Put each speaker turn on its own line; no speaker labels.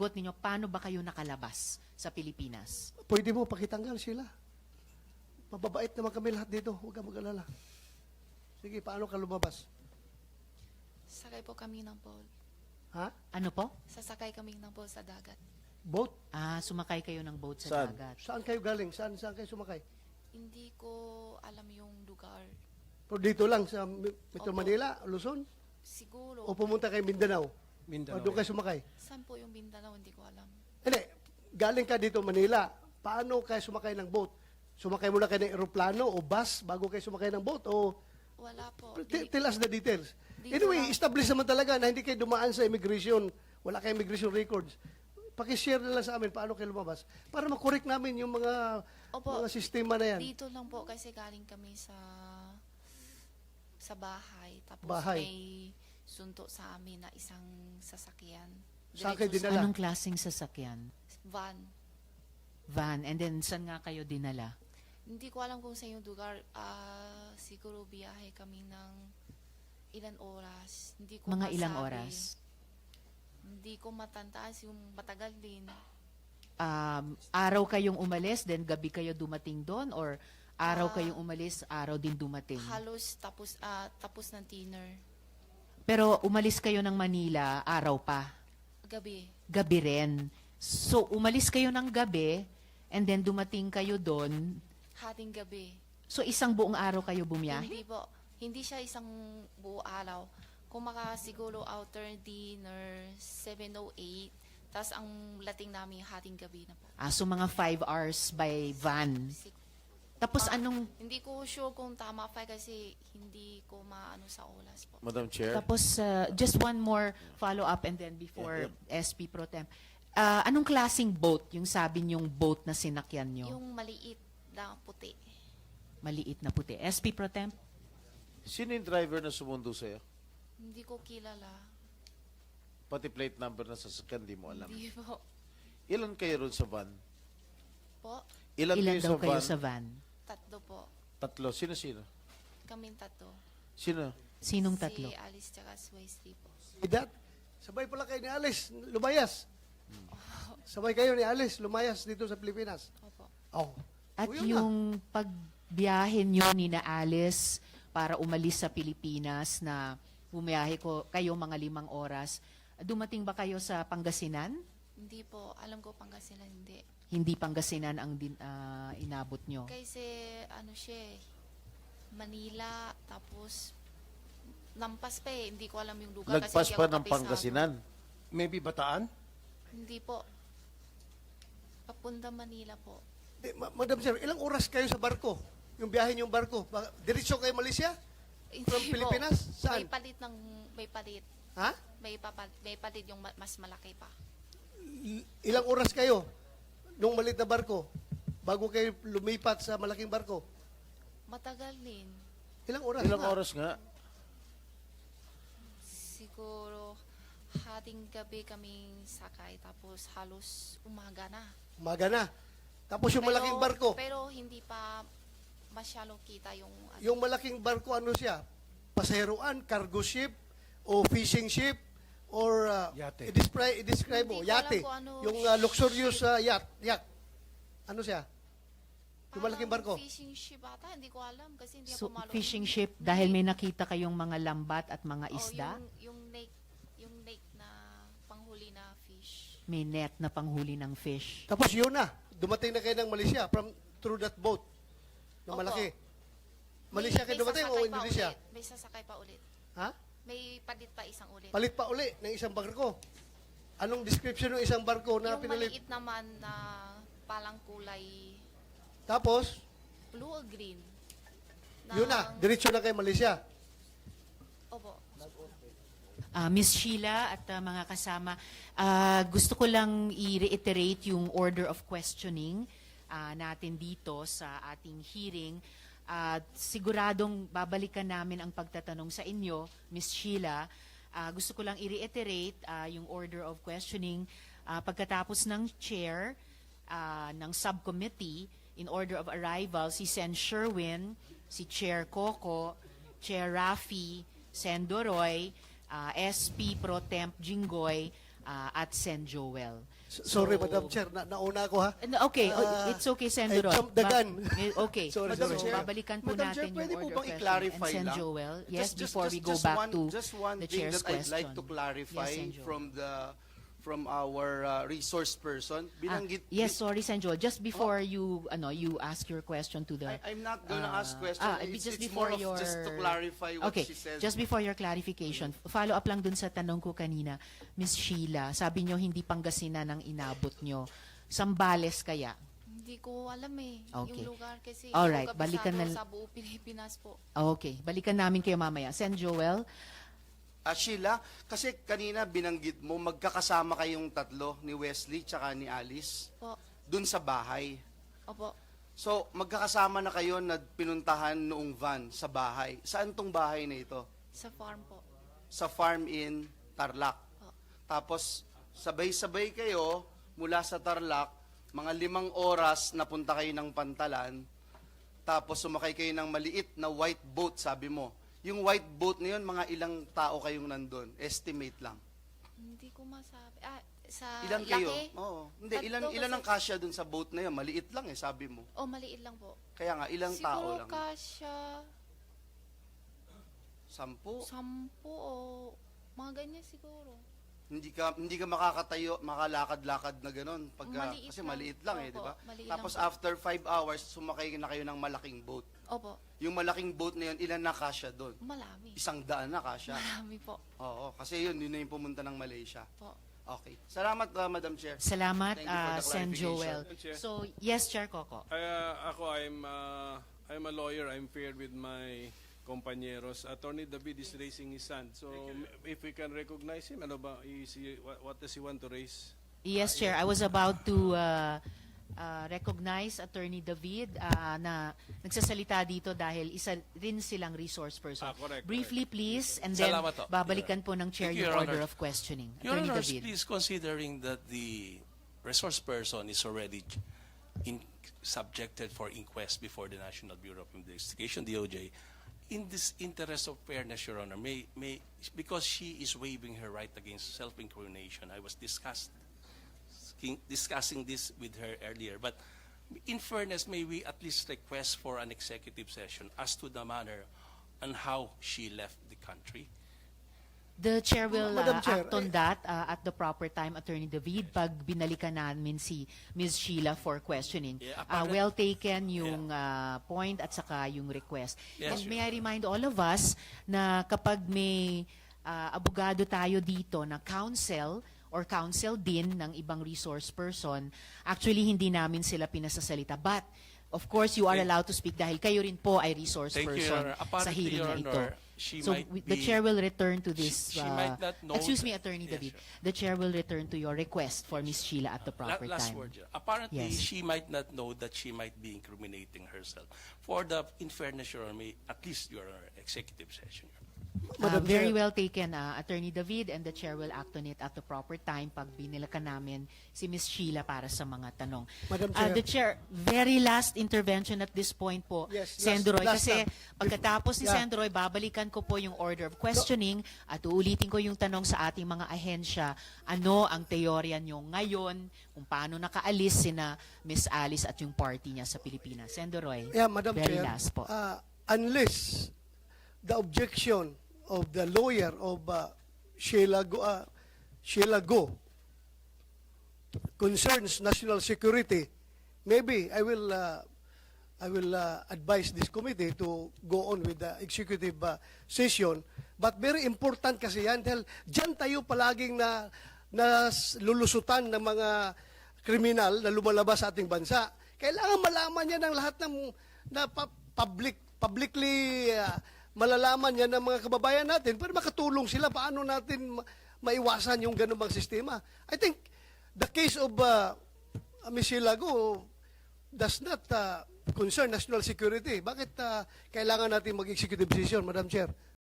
sagot ninyo, paano ba kayo nakalabas sa Pilipinas?
Pwede mo pakitanggal sila. Mababait naman kami lahat dito. Huwag ka mag-alala. Sige, paano ka lumabas?
Sakay po kami ng boat.
Ha?
Ano po?
Sasakay kami ng boat sa dagat.
Boat?
Sumakay kayo ng boat sa
Saan?
dagat.
Saan kayo galing? Saan kayo sumakay?
Hindi ko alam yung lugar.
Pero dito lang sa Metro
Opo.
Manila, Luzon?
Siguro.
O pumunta kayo Mindanao? O
Mindanao.
doon kayo sumakay?
Saan po yung Mindanao? Hindi ko alam.
Hindi. Galing ka dito Manila. Paano kayo sumakay ng boat? Sumakay muna kayo ng eroplano o bus bago kayo sumakay ng boat? O
Wala po.
tell us the details.
Dito
Anyway,
lang.
establish naman talaga na hindi kayo dumaan sa immigration. Wala kayong immigration records. Pakishare na lang sa amin paano kayo lumabas para makorek namin yung
Opo.
mga sistema na yan.
Dito lang po kasi galing kami sa bahay. Tapos
Bahay.
may sunto sa amin na isang sasakyan.
Saan kayo
Diretso
dinala?
Anong klaseng sasakyan?
Van.
Van. And then, saan nga kayo dinala?
Hindi ko alam kung sa yung lugar. Siguro biyahe kami ng ilan oras. Hindi ko
Mga ilang
masabi.
oras?
Hindi ko matantaas yung matagal din.
Araw kayong umalis, then gabi kayo dumating doon? Or araw kayong umalis, araw din dumating?
Halos tapos ng dinner.
Pero umalis kayo ng Manila, araw pa.
Gabi.
Gabi rin. So, umalis kayo ng gabi, and then dumating kayo doon.
Hating gabi.
So, isang buong araw kayo bumiyahe?
Hindi po. Hindi siya isang buo araw. Kung siguro outer dinner, 7:08. Tapos ang lating namin hating gabi na po.
So, mga 5 hours by van. Tapos, anong...
Hindi ko sure kung tama pa kasi hindi ko maano sa oras po.
Madam Chair.
Tapos, just one more follow-up and then before SP Pro Tem. Anong klaseng boat yung sabi niyong boat na sinakyan niyo?
Yung maliit na puti.
Maliit na puti. SP Pro Tem?
Sino yung driver na sumundo sa'yo?
Hindi ko kilala.
Pati plate number na sasakyan, di mo alam.
Hindi po.
Ilan kayo ron sa van?
Po,
Ilan,
Ilan
kayo
daw
sa
kayo
van?
sa van?
tatlo po.
Tatlo. Sino-sino?
Kaming tatlo.
Sino?
Sinong tatlo?
Si Alice tsaka si Wesley po.
Dad, sabay pala kayo ni Alice, lumayas. Sabay kayo ni Alice, lumayas dito sa Pilipinas.
Opo.
Oh.
At
O, yun na.
yung pagbiyahe nyo ni na Alice para umalis sa Pilipinas na bumiyahe kayo mga 5 oras, dumating ba kayo sa Pangasinan?
Hindi po. Alam ko Pangasinan hindi.
Hindi Pangasinan ang inabot nyo.
Kasi ano siya eh, Manila, tapos lampas pa eh. Hindi ko alam yung lugar.
Lagpas
kasi hindi
pa
ako
ng
kabisado.
Pangasinan.
Maybe Bataan?
Hindi po. Papunta Manila po.
Madam Sir, ilang oras kayo sa barko? Yung biyahe niyong barko? Diretso kayo Malaysia? From
Hindi
Pilipinas?
po.
Saan?
May palit.
Ha?
May palit yung mas malaki pa.
Ilang oras kayo nung maliit na barko bago kayo lumipat sa malaking barko?
Matagal din.
Ilang oras?
Ilang
nga?
oras nga?
Siguro hating gabi kaming sakay tapos halos umaga na.
Umaga na. Tapos yung malaking barko,
Pero hindi pa masyadong kita yung ano.
yung malaking barko ano siya? Pasaheroan, cargo ship, o fishing ship, or
Yate.
i-describe mo,
Hindi ko alam
yate.
kung ano
Yung luxurious yacht. Ano siya? Yung malaking barko.
Fishing ship ata, hindi ko alam kasi hindi
So,
ako malo.
fishing ship, dahil may nakita kayong mga lambat at mga
Oh,
isda,
yung lake na panghuli na fish.
may net na panghuli ng fish.
Tapos yun na, dumating na kayo ng Malaysia through that boat na
Opo.
malaki. Malaysia kayo dumating o
sasakay pa
Indonesia?
ulit. May sasakay pa ulit.
Ha?
May palit pa isang ulit.
Palit pa uli ng isang barko. Anong description ng isang barko na
yung
pinalit?
maliit naman na palang kulay
Tapos,
blue or green.
yun na, diretso na kayo Malaysia.
Opo.
Miss Sheila at mga kasama, gusto ko lang i-reiterate yung order of questioning natin dito sa ating hearing. Siguradong babalikan namin ang pagtatanong sa inyo, Miss Sheila. Gusto ko lang i-reiterate yung order of questioning pagkatapos ng chair ng subcommittee in order of arrival, si Sen Sherwin, si Chair Coco, Chair Rafi, Sen Doroy, SP Pro Temp Jinggoy, at Sen Joel.
Sorry, Madam Chair, nauna ako ha.
Okay,
Ah,
it's okay, Sen
I
Duroy.
jumped the gun.
Okay,
Sorry,
so
sorry.
babalikan po
Madam
natin
Chair, pwede
yung
po
order
bang
of
i-clarify
questioning. And Sen
lang?
Joel, yes,
Just-
before we go
just
back
one-
to
just one
the
thing
chair's
that I'd like
question.
to clarify
Yes, Sen Joel.
from our resource person. Binanggit
Yes, sorry, Sen Joel. Just before you ask your question to the...
I'm not gonna ask question.
just
It's
before
more of
your...
just to clarify what
Okay,
she said.
just before your clarification, follow up lang dun sa tanong ko kanina, Miss Sheila, sabi nyo hindi Pangasinan ang inabot nyo. Sambales kaya?
Hindi ko alam eh.
Okay.
Yung lugar kasi
Alright,
yung
balikan
kabisado
na-
sa buong Pilipinas po.
Okay, balikan namin kayo mamaya. Sen Joel,
Sheila, kasi kanina binanggit mo, magkakasama kayong tatlo, ni Wesley tsaka ni Alice,
Po.
dun sa bahay.
Opo.
So, magkakasama na kayo na pinuntahan noong van sa bahay. Saan tong bahay na ito?
Sa farm po.
Sa farm in Tarlac.
Po.
Tapos, sabay-sabay kayo mula sa Tarlac, mga 5 oras napunta kayo ng Pantalan, tapos sumakay kayo ng maliit na white boat, sabi mo. Yung white boat na yun, mga ilang tao kayong nandun? Estimate lang.
Hindi ko masabi. Sa
Ilan
laki?
kayo? Oo. Hindi,
Tatlo
ilan ang
kasi-
kasya dun sa boat na yun? Maliit lang sabi mo.
Oh, maliit lang po.
Kaya nga, ilang tao
Siguro
lang?
kasya
10?
10 o mga ganyan siguro.
Hindi ka makakatayo, makalakad-lakad na gano'n
Maliit
kasi
lang.
maliit lang di
Opo,
ba?
maliit
Tapos
lang po.
after 5 hours, sumakay na kayo ng malaking boat.
Opo.
Yung malaking boat na yun, ilan na kasya doon?
Marami.
100 na kasya.
Marami po.
Oo, kasi yun na yung pumunta ng Malaysia.
Po.
Okay. Salamat, Madam Chair.
salamat,
Thank you for the
Sen Joel.
clarification.
Chair.
So, yes, Chair Coco.
I'm a lawyer. I'm paired with my compañeros. Attorney David is raising his hand. So if we can recognize him, ano ba? What does he want to raise?
Yes, Chair. I was about to recognize Attorney David na nagsasalita dito dahil isa rin silang resource person.
Correct,
Briefly, please, and then
Salamat po.
babalikan po ng Chair
Thank you,
yung
Your
order
Honor.
of questioning.
Your
Attorney
Honors,
David.
please, considering that the resource person is already subjected for inquest before the National Bureau of Investigation, DOJ, in this interest of fairness, Your Honor, because she is waiving her right against self-incrimination, I was discussing this with her earlier, but in fairness, may we at least request for an executive session as to the manner and how she left the country?
The Chair will
Madam Chair,
act on that at the proper time, Attorney David, pag binalikan namin si Ms. Sheila for questioning.
Yeah, apparent-
Well taken yung point at saka yung request.
Yes,
And
Your
may I remind all of us na kapag may abogado tayo dito na counsel or counsel din ng ibang resource person, actually hindi namin sila pinasasalita. But, of course, you are allowed to speak dahil kayo rin po ay resource
Thank you,
person
Your Honor.
sa
Apparently,
hearing
Your
na ito.
Honor, she
So
might
the
be-
Chair will return to this.
She might not know
excuse me,
that-
Attorney
Yes,
David.
sure.
The Chair will return to your request for Ms. Sheila at the proper
Last
time.
word. Apparently,
Yes.
she might not know that she might be incriminating herself. For the, in fairness, Your Honor, at least Your Honor, executive session. Your Honor.
Very
Chair.
well taken, Attorney David, and the Chair will act on it at the proper time pag binilakan namin si Ms. Sheila para sa mga tanong.
Madam Chair.
The Chair, very last intervention at this point po,
Yes,
Sendroy,
last
kasi
time.
pagkatapos ni
Yeah.
Sendroy, babalikan ko po yung order of questioning at uulitin ko yung tanong sa ating mga ahensya, ano ang teorya nyo ngayon, kung paano nakaalis sina Miss Alice at yung party niya sa Pilipinas. Sendroy,
Yeah, Madam
very
Chair,
last po.
Unless the objection of the lawyer of Sheila Go concerns national security, maybe I will advise this committee to go on with the executive session. But very important kasi yan dahil dyan tayo palaging na lulusutan ng mga kriminal na lumalabas sa ating bansa. Kailangan malaman niya ng lahat ng publicly malalaman niya ng mga kababayan natin para makatulong sila paano natin maiwasan yung ganun bang sistema. I think the case of Ms. Silago does not concern national security. Bakit kailangan natin mag-executive decision, Madam Chair?